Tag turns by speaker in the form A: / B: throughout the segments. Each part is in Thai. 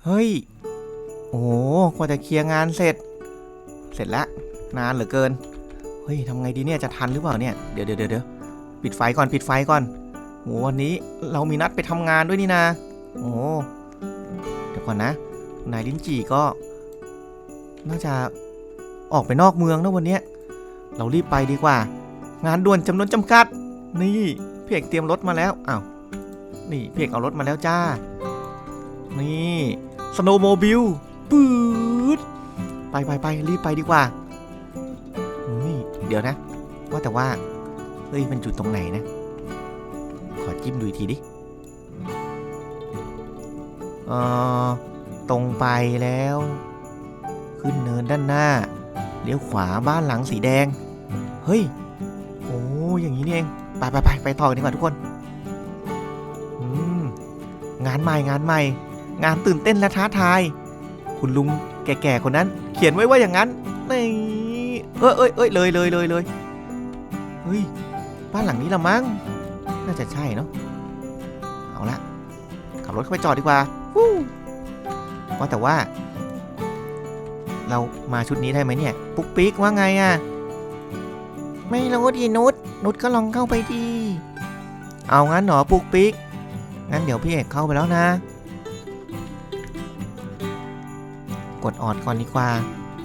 A: ฮ้ยโอ้กว่าจะเคลียร์งานเสร็จแล้วนานเหลือเกินเฮ้ยทำไงดีเนี่ยจะทันหรือเปล่าเนี่ยเดี๋ยวปิดไฟก่อนโหวันนี้เรามีนัดไปทำงานด้วยนี่นะโอ้เดี๋ยวก่อนนะนายลิ้นจี่ก็น่าจะออกไปนอกเมืองนะวันนี้เรารีบไปดีกว่างานด่วนจำนวนจำกัดนี่พี่เอกเตรียมรถมาแล้วอ้าวนี่พี่เอกเอารถมาแล้วจ้านี่สโนว์โมบิลปื๊ดไปรีบไปดีกว่าเดี๋ยวนะว่าแต่ว่าเฮ้ยมันจุดตรงไหนนะขอจิ้มดูอีกทีดิตรงไปแล้วขึ้นเนินด้านหน้าเลี้ยวขวาบ้านหลังสีแดงเฮ้ยโอ้อย่างนี้นี่เองไปต่อกันดีกว่าทุกคนงานใหม่งานตื่นเต้นและท้าทายคุณลุงแก่ๆคนนั้นเขียนไว้ว่าอย่างนั้นนี่เอ้ยเลยเฮ้ยบ้านหลังนี้ละมั้งน่าจะใช่เนาะเอาละขับรถเข้าไปจอดดีกว่าว่าแต่ว่าเรามาชุดนี้ได้ไหมเนี่ยปุ๊กปิ๊กว่าไงอะไม่รู้ดินุชก็ลองเข้าไปดีเอางั้นหนอปุ๊กปิ๊กงั้นเดี๋ยวพี่เอกเข้าไปแล้วนะกดออดก่อนดีกว่า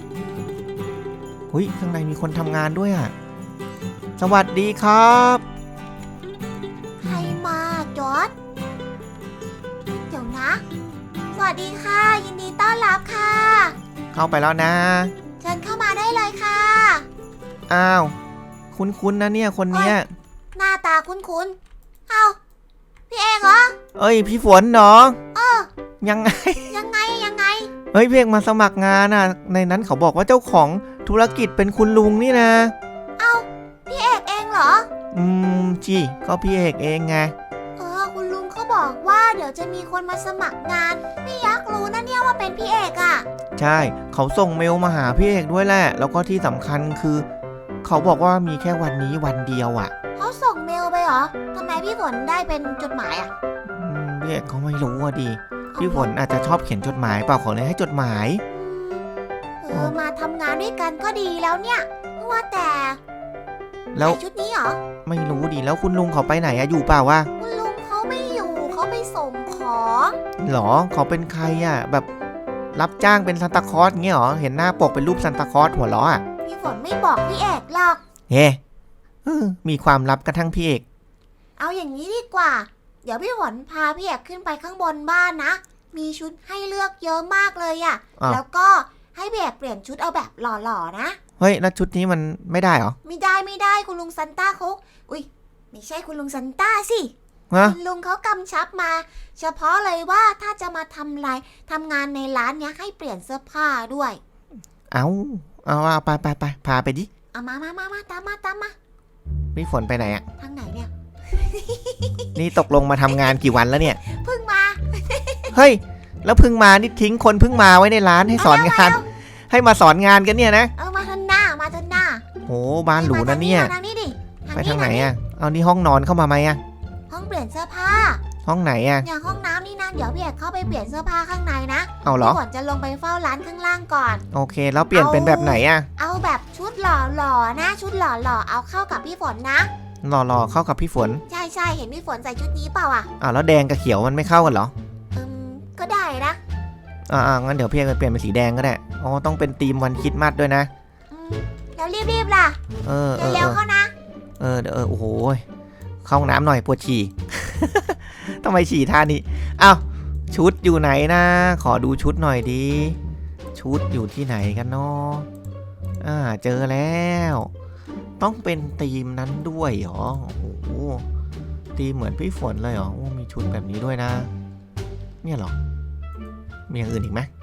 A: หุ้ยข้างในมีคนทำงานด้วยอ่ะสวัสดีครับ
B: ใครมาจอร์จเดี๋ยวนะสวัสดีค่ะยินดีต้อนรับค่ะ
A: เข้าไปแล้วนะ
B: เชิญเข้ามาได้เลยค่ะ
A: อ้าวคุ้นนะเนี่ยคนเนี้ย
B: หน้าตาคุ้นเอ้าพี่เอกเหรอ
A: เอ้ยพี่ฝนเนาะยังไงเฮ้ยพี่เอกมาสมัครงานอ่ะในนั้นเขาบอกว่าเจ้าของธุรกิจเป็นคุณลุงนี่นะ
B: เอ้าพี่เอกเองเหรอ
A: จีก็พี่เอกเองไง
B: คุณลุงเขาบอกว่าเดี๋ยวจะมีคนมาสมัครงานไม่อยากรู้นะเนี่ยว่าเป็นพี่เอกอ่ะ
A: ใช่เขาส่งเมลมาหาพี่เอกด้วยแหละแล้วก็ที่สำคัญคือเขาบอกว่ามีแค่วันนี้วันเดียวอ่ะ
B: เขาส่งเมลไปเหรอทำไมพี่ฝนได้เป็นจดหมายอ่ะ
A: พี่เอกเขาไม่รู้อ่ะดิพี่ฝนอาจจะชอบเขียนจดหมายเปล่าเขาเลยให้จดหมาย
B: มาทำงานด้วยกันก็ดีแล้วเนี่ยว่าแต่
A: แล้ว
B: ชุดนี้เหรอ
A: ไม่รู้ดิแล้วคุณลุงเขาไปไหนอะอยู่เปล่าวะ
B: คุณลุงเขาไม่อยู่เขาไปส่งของ
A: หรอเขาเป็นใครอะแบบรับจ้างเป็นซานตาคลอสเงี้ยหรอเห็นหน้าปกเป็นรูปซานตาคลอสหัวล้ออะ
B: พี่ฝนไม่บอกพี่เอกหรอก
A: เฮ้มีความลับกระทั่งพี่เอก
B: เอาอย่างนี้ดีกว่าเดี๋ยวพี่ฝนพาพี่เอกขึ้นไปข้างบนบ้านนะมีชุดให้เลือกเยอะมากเลยอะแล้วก็ให้พี่เอกเปลี่ยนชุดเอาแบบหล่อๆนะ
A: เฮ้ยแล้วชุดนี้มันไม่ได้เหรอ
B: ไม่ได้คุณลุงซันต้าเขาอุ้ยไม่ใช่คุณลุงซันต้าสิคุณลุงเขากำชับมาเฉพาะเลยว่าถ้าจะมาทำงานในร้านเนี้ยให้เปลี่ยนเสื้อผ้าด้วย
A: เอาไปพาไปดิ
B: เอามาตามมา
A: พี่ฝนไปไหนอะ
B: ทางไหนเนี่ย
A: นี่ตกลงมาทำงานกี่วันแล้วเนี่ย
B: เพิ่งมา
A: เฮ้ยแล้วเพิ่งมานี่ทิ้งคนเพิ่งมาไว้ในร้านให้สอนงานให้มาสอนงานกันเนี่ยนะ
B: มาทางหน้า
A: โหบ้านหรูนะเนี่ยไปทางไหนอ่ะเอานี่ห้องนอนเข้ามาไหมอ่ะ
B: ห้องเปลี่ยนเสื้อผ้า
A: ห้องไหนอ่ะ
B: อย่างห้องน้ำนี่นะเดี๋ยวพี่เอกเข้าไปเปลี่ยนเสื้อผ้าข้างในนะ
A: เอาเหรอ
B: พี่ฝนจะลงไปเฝ้าร้านข้างล่างก่อน
A: โอเคแล้วเปลี่ยนเป็นแบบไหนอ่ะ
B: เอาแบบชุดหล่อนะชุดหล่อเอาเข้ากับพี่ฝนนะ
A: หล่อเข้ากับพี่ฝน
B: ใช่เห็นพี่ฝนใส่ชุดนี้เปล่าอ่ะ
A: แล้วแดงกับเขียวมันไม่เข้ากันเหรอ
B: ก็ได้นะ
A: งั้นเดี๋ยวพี่เอกเปลี่ยนเป็นสีแดงก็ได้ต้องเป็นธีมวันคริสต์มาสด้วยนะ
B: แล้วรีบล่ะเร็วเข้านะ
A: โอ้โหเข้าห้องน้ำหน่อยปวดฉี่ ทำไมฉี่ท่านี้อ้าวชุดอยู่ไหนนะขอดูชุดหน่อยดิชุดอยู่ที่ไหนกันเนาะเจอแล้วต้องเป็นธีมนั้นด้วยเหรอโอ้โหธีมเหมือนพี่ฝนเลยเหรอมีชุดแบบนี้ด้วยนะเนี่ยเหรอมีอย่างอื่นอีกไหม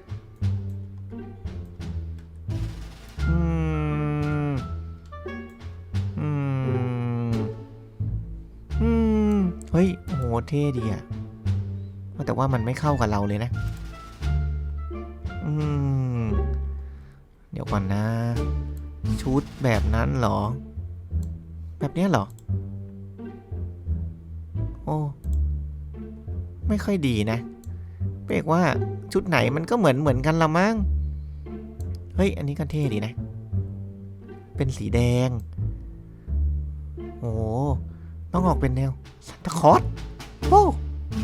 A: เฮ้ยโหเท่ดีอะแต่ว่ามันไม่เข้ากับเราเลยนะเดี๋ยวก่อนนะชุดแบบนั้นเหรอแบบนี้เหรอโอ้ไม่ค่อยดีนะไปพี่เอกว่าชุดไหนมันก็เหมือนกันละมั้งเฮ้ยอันนี้ก็เท่ดีนะเป็นสีแดงโอ้ต้องออกเป็นแนวซันตาคลอสโอ้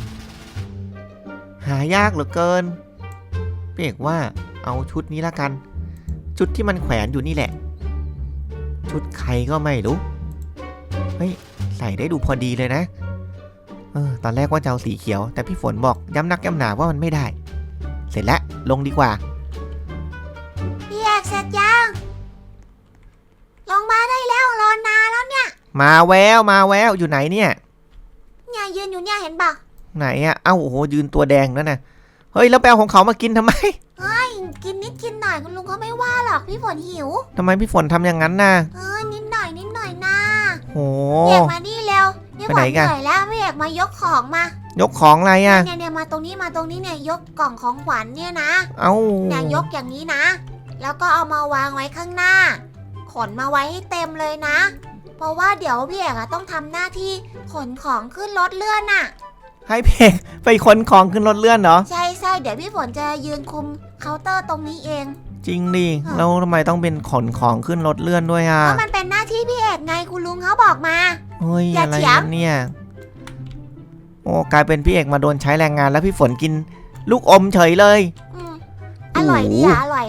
A: หายากเหลือเกินพี่เอกว่าเอาชุดนี้ละกันชุดที่มันแขวนอยู่นี่แหละชุดใครก็ไม่รู้เฮ้ยใส่ได้ดูพอดีเลยนะตอนแรกว่าจะเอาสีเขียวแต่พี่ฝนบอกย้ำนักย้ำหนาว่ามันไม่ได้เสร็จแล้วลงดีกว่า
B: พี่เอกเสร็จยังลงมาได้แล้วรอนานแล้วเนี่ย
A: มาแววอยู่ไหนเนี่ย
B: ยืนอยู่เนี่ยเห็นปะ
A: ไหนอะเอ้าโอ้โหยืนตัวแดงนั่นน่ะเฮ้ยแล้วแปลของเขามากินทำไม
B: กินนิดกินหน่อยคุณลุงเขาไม่ว่าหรอกพี่ฝนหิว
A: ทำไมพี่ฝนทำอย่างนั้นน่ะ
B: นิดหน่อยนะ
A: โห
B: พี่เอกมานี่เร็วพี่ฝนเหนื่อยแล้วพี่เอกมายกของมาย
A: กของอะไรอะ
B: เนี่ยมาตรงนี้เนี่ยยกกล่องของขวัญเนี่ยนะเนี่ยยกอย่างนี้นะแล้วก็เอามาวางไว้ข้างหน้าขนมาไว้ให้เต็มเลยนะเพราะว่าเดี๋ยวพี่เอกต้องทำหน้าที่ขนของขึ้นรถเลื่อนน่ะ
A: ให้พี่เอกไปขนของขึ้นรถเลื่อนเหรอ
B: ใช่เดี๋ยวพี่ฝนจะยืนคุมเคาน์เตอร์ตรงนี้เอง
A: จริงดิแล้วทำไมต้องเป็นขนของขึ้นรถเลื่อนด้วยอ่ะ
B: เพราะมันเป็นหน้าที่พี่เอกไงคุณลุงเขาบอกมา
A: เฮ้ยอะไรเนี่ยโอ้กลายเป็นพี่เอกมาโดนใช้แรงงานแล้วพี่ฝนกินลูกอมเฉยเลย
B: อร่อยดีอร่อย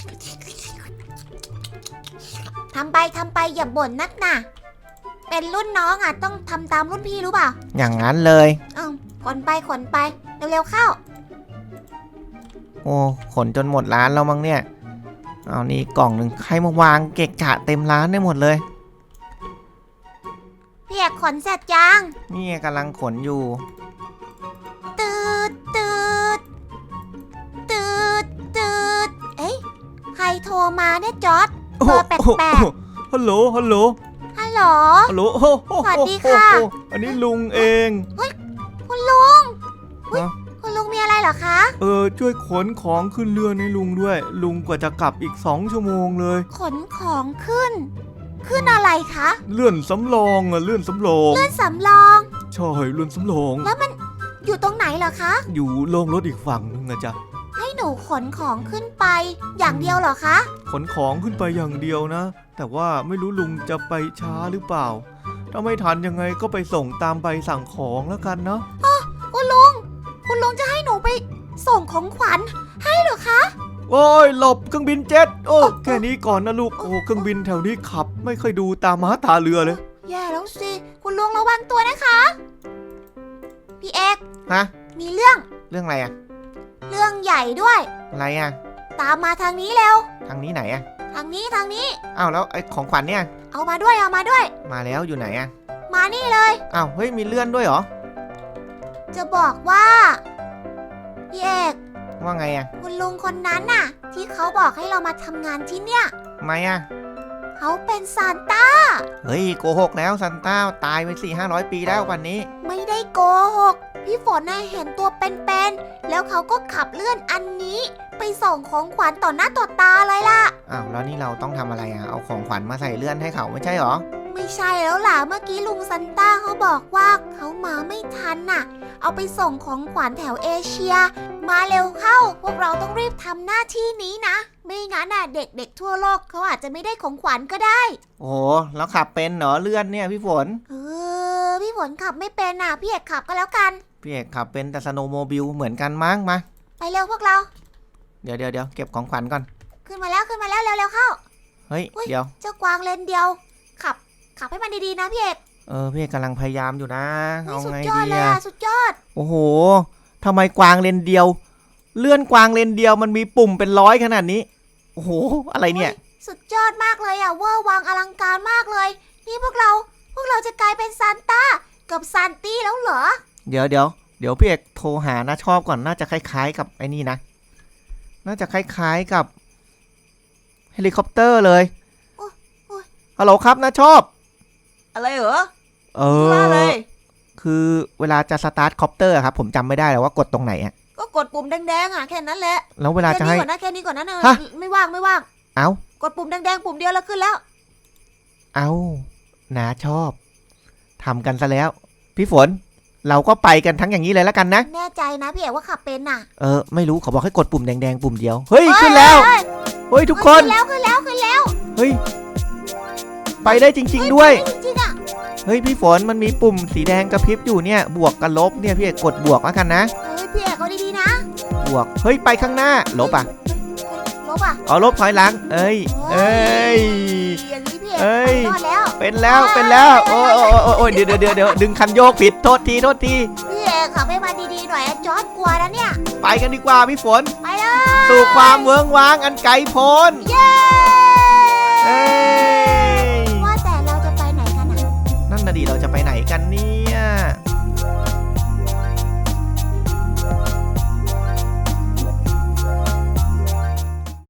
B: ทำไปอย่าบ่นนักนะเป็นรุ่นน้องต้องทำตามรุ่นพี่รู้เปล่า
A: อย่างนั้นเลย
B: ขนไปเร็วๆเข้า
A: โอ้ขนจนหมดร้านแล้วมั้งเนี่ยเอานี่กล่องหนึ่งใครมาวางเกะกะเต็มร้านได้หมดเลย
B: พี่เอกขนเสร็จยัง
A: นี่กำลังขนอยู่
B: ตืดเอ้ยใครโทรมาเนี่ยจอร์จเบอร์แปลก
A: ฮัลโหล
B: สวัสดีค่ะ
A: อันนี้ลุงเอง
B: เฮ้ยคุณลุงมีอะไรเหรอคะ
A: ช่วยขนของขึ้นเรือให้ลุงด้วยลุงกว่าจะกลับอีก2 ชั่วโมงเลย
B: ขนของขึ้นอะไรคะ
A: เลื่อนสำรองเลื่อนสำรอง
B: ใช่เลื่อนสำรองแล้วมันอยู่ตรงไหนเหรอคะ
A: อยู่โรงรถอีกฝั่งนึงนะจ๊ะ
B: ให้หนูขนของขึ้นไปอย่างเดียวเหรอคะ
A: ขนของขึ้นไปอย่างเดียวนะแต่ว่าไม่รู้ลุงจะไปช้าหรือเปล่าถ้าไม่ทันยังไงก็ไปส่งตามใบสั่งของแล้วกันเนาะ
B: คุณลุงจะให้หนูไปส่งของขวัญให้เหรอคะ
A: โอ้ยหลบเครื่องบินเจ็ตแค่นี้ก่อนนะลูกเครื่องบินแถวนี้ขับไม่ค่อยดูตามม้าตาเรือเลย
B: แย่แล้วสิคุณลุงระวังตัวนะคะพี่เอกมีเรื่อง
A: อะไรอะ
B: เรื่องใหญ่ด้วย
A: อะไรอะ
B: ตามมาทางนี้เร็ว
A: ทางนี้ไหนอะ
B: ทางนี้
A: อ้าวแล้วไอ้ของขวัญเนี่ย
B: เอามาด้วย
A: มาแล้วอยู่ไหนอะ
B: มานี่เลย
A: อ้าวเฮ้ยมีเลื่อนด้วยเหรอ
B: จะบอกว่าพี่เอก
A: ว่าไงอะ
B: คุณลุงคนนั้นน่ะที่เขาบอกให้เรามาทำงานที่เนี่ย
A: ทำไมอะ
B: เขาเป็นซานต้า
A: เฮ้ยโกหกแล้วซานต้าตายไป400-500 ปีแล้ววันนี้
B: ไม่ได้โกหกพี่ฝนน่ะเห็นตัวเป็นๆแล้วเขาก็ขับเลื่อนอันนี้ไปส่งของขวัญต่อหน้าต่อตาเลยล่ะ
A: อ้าวแล้วนี่เราต้องทำอะไรอะเอาของขวัญมาใส่เลื่อนให้เขาไม่ใช่หรอ
B: ไม่ใช่แล้วล่ะเมื่อกี้ลุงซานต้าเขาบอกว่าเขามาไม่ทันน่ะเอาไปส่งของขวัญแถวเอเชียมาเร็วเข้าพวกเราต้องรีบทำหน้าที่นี้นะไม่งั้นน่ะเด็กๆทั่วโลกเขาอาจจะไม่ได้ของขวัญก็ได้
A: โอ้แล้วขับเป็นเหรอเลื่อนเนี่ยพี่ฝน
B: พี่ฝนขับไม่เป็นน่ะพี่เอกขับก็แล้วกัน
A: พี่เอกขับเป็นแต่สโนว์โมบิลเหมือนกันมั้งมา
B: ไปเร็วพวกเรา
A: เดี๋ยวเก็บของขวัญก่อน
B: ขึ้นมาแล้วเร็วเข้า
A: เฮ้ยเดี๋ยว
B: เจ้ากวางเลนเดียวขับให้มันดีๆนะพี่เอก
A: พี่เอกกำลังพยายามอยู่นะเอาไงดี
B: สุดยอด
A: โอ้โหทำไมกวางเลนเดียวเลื่อนกวางเลนเดียวมันมีปุ่มเป็น100ขนาดนี้โอ้โหอะไรเนี่ย
B: สุดยอดมากเลยเวอร์วังอลังการมากเลยนี่พวกเราจะกลายเป็นซานต้ากับซานตี้แล้วเหรอ
A: เดี๋ยวพี่เอกโทรหานะชอบก่อนน่าจะคล้ายๆกับไอ้นี่นะน่าจะคล้ายๆกับเฮลิคอปเตอร์เลยฮัลโหลครับนะชอบ
B: อะไรเหรอ
A: คือเวลาจะสตาร์ทคอปเตอร์ครับผมจำไม่ได้แล้วว่ากดตรงไหนอ่ะ
B: ก็กดปุ่มแดงๆแค่นั้นแหละ
A: แล้วเวลาจะให้
B: แค่นี้ก่อนนะไม่ว่าง
A: เอ้าก
B: ดปุ่มแดงๆปุ่มเดียวแล้วขึ้นแล้ว
A: เอ้านะชอบทำกันซะแล้วพี่ฝนเราก็ไปกันทั้งอย่างนี้เลยแล้วกันนะ
B: แน่ใจนะพี่เอกว่าขับเป็นน่ะ
A: ไม่รู้เขาบอกให้กดปุ่มแดงๆปุ่มเดียวเฮ้ยขึ้นแล้วเฮ้ยทุกคน
B: ขึ้นแล้ว
A: เฮ้ยไปได้จริงๆด้วย
B: จริงๆอ่ะ
A: เฮ้ยพี่ฝนมันมีปุ่มสีแดงกระพริบอยู่เนี่ยบวกกับลบเนี่ยพี่เอกกดบวกแล้วกันนะ
B: เฮ้ยพี่เอกเอาดีๆนะ
A: บวกเฮ้ยไปข้างหน้าลบอ่ะ
B: ลบอ่ะ
A: เอาลบถอยหลังเอ้ย
B: อย่างนี้พี่เอก
A: เอ้ย
B: ไปรอดแล้ว
A: เป็นแล้วโอ้ยเดี๋ยวดึงคันโยกผิดโทษที
B: พี่เอกขับให้มาดีๆหน่อยอะจอร์ดกลัวนะเนี่ย
A: ไปกันดีกว่าพี่ฝน
B: ไปเลย
A: สู่ความเวิ้งว้างอันไกลโพ้น
B: เย้
A: เอ้ย